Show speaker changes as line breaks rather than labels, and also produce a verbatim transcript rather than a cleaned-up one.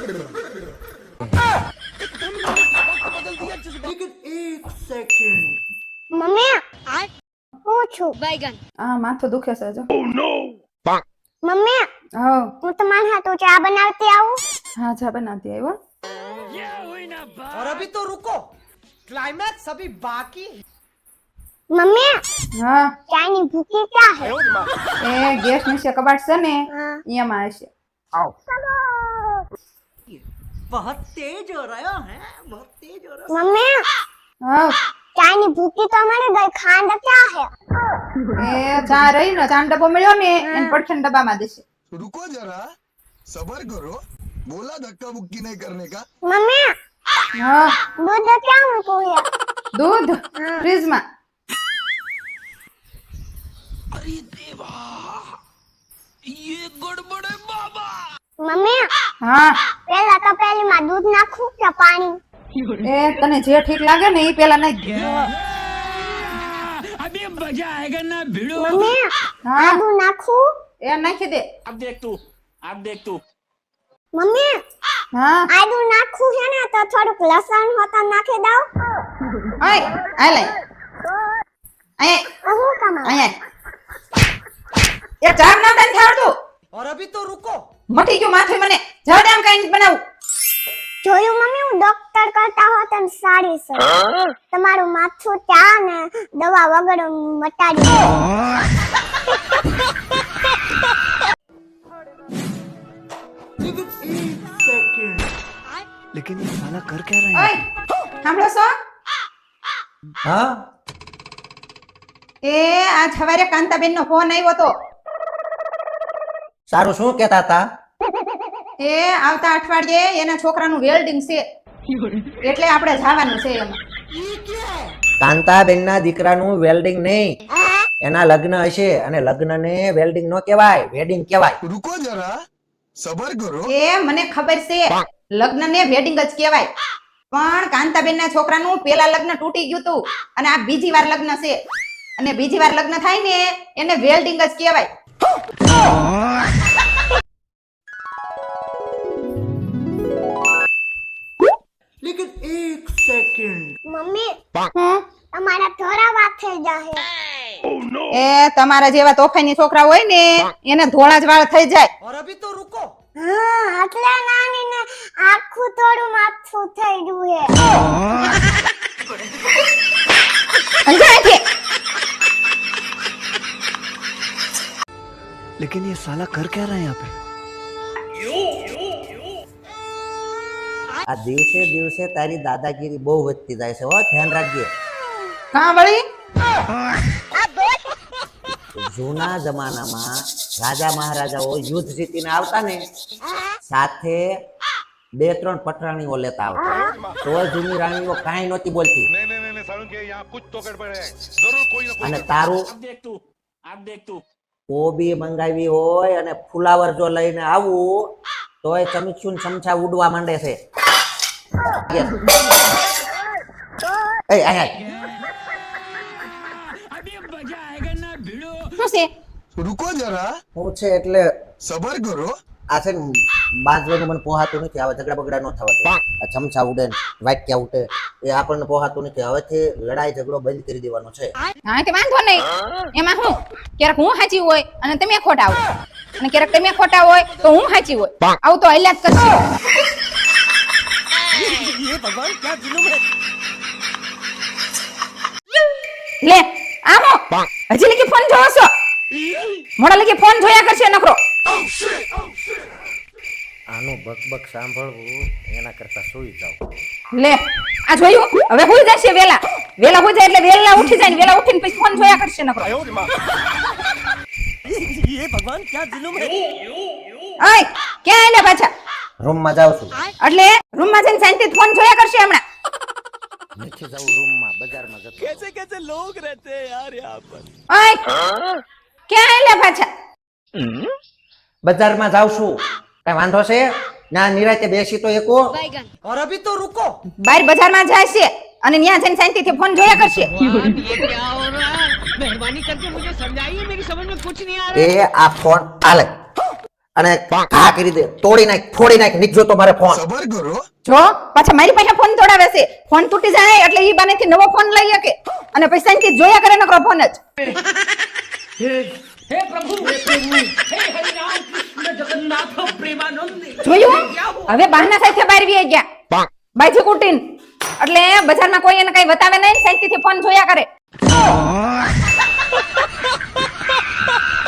Mummy હું છું
बैगन
આ માથું દુખે છે જો.
મમ્મી
હા
હું તમારા હાથું ચા બનાવતી આવું
હા ચા બનાવતી આવ્યો.
और अभी तो रुको, क्लाइमैक्स अभी बाकी.
મમ્મી
હા
ચાની ભૂકી ક્યાં હે
એ ગેસ નીચે કબાટ છે ને
હા.
એમાં હશે. આવ
बहुत तेज हो रहा है, बहुत तेज हो रहा
મમ્મી
હા
ચાની ભૂકી તો મને ગઈ ખાંડ ક્યાં હે
એ ચા રહી ને ચા ડબ્બો મળ્યો ને એને પડખેના ડબ્બામાં દેશે.
रुको जरा सबर करो बोला धक्का मुक्की नहीं करने का
મમ્મી
હા
દૂધ ક્યાં મૂકું હે
દૂધ ફ્રીજમાં.
મમ્મી
હા
પેલા તપેલીમાં દૂધ નાખું કે પાણી
એ તને જે ઠીક લાગે ને એ પેલા નાખી દે.
મમ્મી
હા
આદુ નાખું
એ નાખી દે.
મમ્મી
હા
આદુ નાખું છે ને તો થોડુંક લસણ હોતા નાખી દઉં
આય આય લઈ આય
તો હું કમાઉં
આય એ ચાર ના તને થાળતું
और अभी तो रुको,
મટી ગયું માથે મને જવા દે આમ કઈ નથી બનાવું.
જોયું મમ્મી હું ડોક્ટર કરતા હોત ને સારી છે તમારું માથું ચા ને દવા વગર મટાડી દે.
लेकिन ये साला कर क्या रहा
ઓય સાંભળો છો
हाँ
એ આજ સવારે કાંતાબેન નો ફોન આવ્યો તો
सारू શું કહેતા હતા
એ આવતા અઠવાડિયે એના છોકરાનું વેલ્ડિંગ છે એટલે આપણે જવાનું છે એમાં.
કાંતાબેન ના દીકરાનું વેલ્ડિંગ નહીં, એના લગ્ન હશે અને લગ્ન ને વેલ્ડિંગ નો કહેવાય, વેડિંગ કહેવાય.
रुको जरा सबर करो
એ મને ખબર છે લગ્ન ને વેડિંગ જ કહેવાય, પણ કાંતાબેન ના છોકરાનું પેલા લગ્ન તૂટી ગયું તું અને આ બીજી વાર લગ્ન છે અને બીજી વાર લગ્ન થાય ને એને વેલ્ડિંગ જ કહેવાય.
लेकिन एक सेकंड
મમ્મી
હમ?
તમારા થોડા વાત થઈ જાહે
એ તમારા જેવા તોફાની છોકરા હોય ને એને ધોળા જ વાળ થઈ જાય.
और अभी तो रुको,
હા એટલે નાની ને આખું થોડું માથું થઈ ગયું હે
સમજાય છે?
लेकिन ये साला कर क्या रहा है यहाँ पे
આ દિવસે દિવસે તારી દાદાગીરી બહુ વધતી જાય છે, હો ધ્યાન રાખજે.
કાં વળી
જૂના જમાનામાં રાજા મહારાજાઓ યુદ્ધ જીતીને આવતા ને સાથે બે ત્રણ પટરાણીઓ લેતા આવતા, તો જૂની રાણીઓ કાંઈ નહોતી બોલતી. અને તારું કોબી મંગાવી હોય અને ફુલાવર જો લઈને આવું તોય ચમચું ને ચમચા ઉડવા માંડે છે. એ આય આય.
શું છે?
रुको जरा
હું છે એટલે
सबर करो
આ છે ને બાંધવાનું મને પોહાતું નથી, હવે ઝઘડા બગડા ન થવા દે. આ ચમચા ઉડે ને વાટક્યા ઉડે એ આપણને પોહાતું નથી. હવેથી લડાઈ ઝઘડો બંધ કરી દેવાનો છે.
હા તે વાંધો નહીં, એમાં હું ક્યારેક હું સાચી હોય અને તમે ખોટા હોય અને ક્યારેક તમે ખોટા હોય તો હું સાચી હોય, આવું તો હલ્યા જ કરશે.
ये भगवान क्या जुलुम है
લે આમો હજી લગી ફોન જોવો છો? મોડા લગી ફોન જોયા કરશે નકરો.
આનું બકબક સાંભળવું એના કરતા સુઈ જાવ.
લે આ જોયું, હવે હુઈ જશે વેલા વેલા હુઈ જાય એટલે વેલા ઉઠી જાય ને વેલા ઉઠીને પછી ફોન જોયા કરશે નકરો.
ये भगवान क्या जुलुम है
ઓય ક્યાં આલે પાછા?
રૂમમાં જાઉં છું.
એટલે રૂમમાં જઈને શાંતિથી ફોન જોયા કરશે હમણાં.
નથી જવું રૂમમાં, બજારમાં જતો.
कैसे कैसे लोग रहते हैं यार यहाँ पर
ઓય ક્યાં આલે પાછા?
બજારમાં જાઉં છું, કઈ વાંધો છે? ના નિરાતે બેસી તો એકો.
बैगन
और अभी तो रुको,
બહાર બજારમાં જાય છે અને ત્યાં જઈને શાંતિથી ફોન જોયા કરશે.
એ આ ફોન આલે અને ઘા કરી દે, તોડી નાખ, ફોડી નાખ, નીકળો તો મારે ફોન.
सबर करो.
જો પાછા મારી પાસે ફોન તોડાવે છે. ફોન તૂટી જાય એટલે ઈ બાનેથી નવો ફોન લઈ શકે અને પૈસાથી જોયા કરે નકરો ફોન જ.
हे प्रभु हे प्रभु हे हरिनाम कृष्ण जगन्नाथ प्रेमानंद
જોયું હવે બહાના સાથે બહાર વી ગયા બાજી કુટીન એટલે બજારમાં કોઈ એને કઈ બતાવે નહીં, શાંતિથી ફોન જોયા કરે.